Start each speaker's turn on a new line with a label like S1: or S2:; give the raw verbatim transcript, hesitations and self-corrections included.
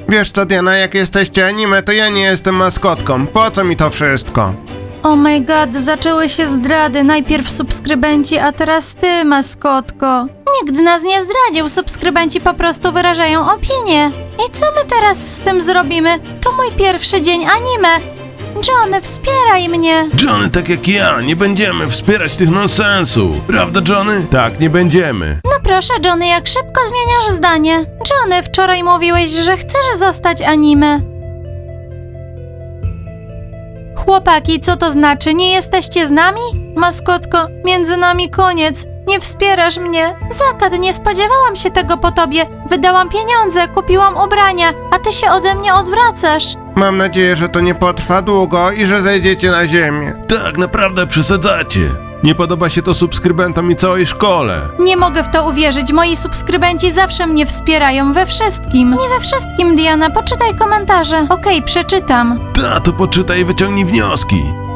S1: Wiesz co, Diana, jak jesteście anime, to ja nie jestem maskotką. Po co mi to wszystko?
S2: Oh my god, zaczęły się zdrady. Najpierw subskrybenci, a teraz ty, maskotko. Nikt nas nie zdradził, subskrybenci po prostu wyrażają opinię. I co my teraz z tym zrobimy? To mój pierwszy dzień anime. Johnny, wspieraj mnie.
S3: Johnny, tak jak ja, nie będziemy wspierać tych nonsensów. Prawda, Johnny?
S1: Tak, nie będziemy.
S2: No proszę, Johnny, jak szybko zmieniasz zdanie. Johnny, wczoraj mówiłeś, że chcesz zostać anime. Chłopaki, co to znaczy? Nie jesteście z nami? Maskotko, między nami koniec. Nie wspierasz mnie. Zakad, nie spodziewałam się tego po tobie. Wydałam pieniądze, kupiłam ubrania, a ty się ode mnie odwracasz.
S1: Mam nadzieję, że to nie potrwa długo i że zejdziecie na ziemię.
S3: Tak, naprawdę przesadzacie.
S1: Nie podoba się to subskrybentom i całej szkole.
S2: Nie mogę w to uwierzyć. Moi subskrybenci zawsze mnie wspierają we wszystkim. Nie we wszystkim, Diana. Poczytaj komentarze. Okej, przeczytam.
S3: Ta, to poczytaj i wyciągnij wnioski.